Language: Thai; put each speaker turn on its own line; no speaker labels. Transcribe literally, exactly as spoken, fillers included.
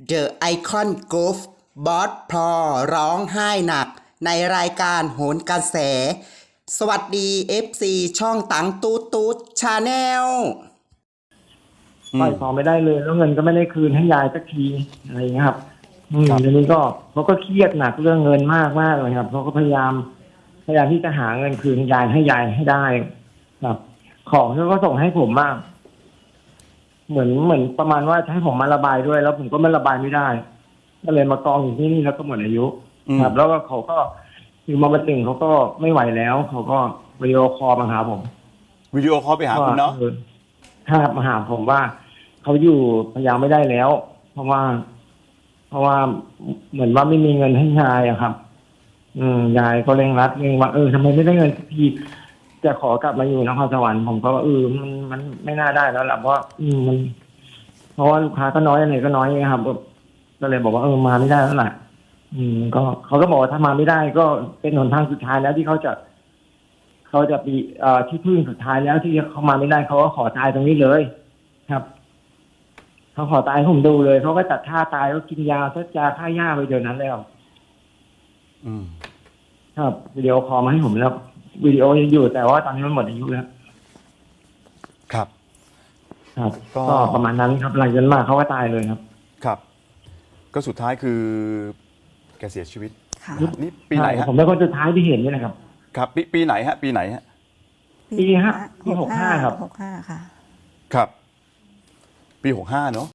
The Icon Group บอสพลอร้องไห้หนักในรายการโหนกระแส สวัสดี เอฟ ซี ช่องตังตูดตูดชาแนล
ปล่อยของไม่ได้เลยแล้วเงินก็ไม่ได้คืนให้ยายสักทีอะไรอย่างเงี้ยครับอืม
ครับ
ทีนี้ก็เขาก็เครียดหนักเรื่องเงินมากมากเลยครับเขาก็พยายามพยายามที่จะหาเงินคืนยายให้ยายให้ได้ ครับ ของที่เขาก็ส่งให้ผมมากเหมือนเหมือนประมาณว่าจะให้ผมมาระบายด้วย แล้วผมก็ไม่ระบายไม่ได้ ก็เลยมากองอยู่ที่นี่แล้วก็หมดอายุ
อืม
ครับ แล้วก็เขาก็อยู่มาวันหนึ่งเขาก็ไม่ไหวแล้วเขาก็วิดีโอคอลมาหาผม
วิดีโอคอลไปหาคุณเนาะ
อถ้ามาหาผมว่าเขาอยู่พยายามไม่ได้แล้ว เพราะว่า เพราะว่าเหมือนว่าไม่มีเงินให้ยายอะครับ อืมยายก็เร่งรัดเร่งว่าเออทำไมไม่ได้เงินสักทีจะขอกลับมาอยู่นครสวรรค์ผมก็ว่าเออมันมันไม่น่าได้แล้วล่ะเพราะอืมมัน เพราะว่าลูกค้าก็น้อยอะไรก็น้อยนะครับก็เลยบอกว่าเออมาไม่ได้แล้วล่ะ อืม ก็เขาก็บอกว่าถ้ามาไม่ได้ ก็เป็นหนทางสุดท้ายแล้วที่เขาจะ เขาจะปีเอ่อที่พึ่งสุดท้ายแล้วที่เขามาไม่ได้เขาก็ขอตายตรงนี้เลย ครับเขาขอตายให้ผมดูเลยเขาก็จัดท่าตายเขากินยาซัดยาฆ่าหญ้าไปเดี๋ยวนั้นแล้ว
อืม
ครับวิดีโอคอลมาให้ผมแล้ววิดีโอยังอยู่แต่ว่าตอนนี้มันหมดอายุแล้ว
ครับ
ครับ
ก็
ก็ประมาณนั้นครับหลังจากนั้นมาเขาก็ตายเลยครับ
ครับ ก็สุดท้ายคือ แกเสียชีวิต
ค่ะ
นี่ปีไหน
ใช่
ฮะ
ผมเป็นคนสุดท้ายที่เห็นนี่นะครับ
ครับ ปีปีไหนฮะ ปีไหนฮะ
ปีห้าปีหกห้าครับ
หกห้าค่ะ
ครับ ปีหกห้าเนาะ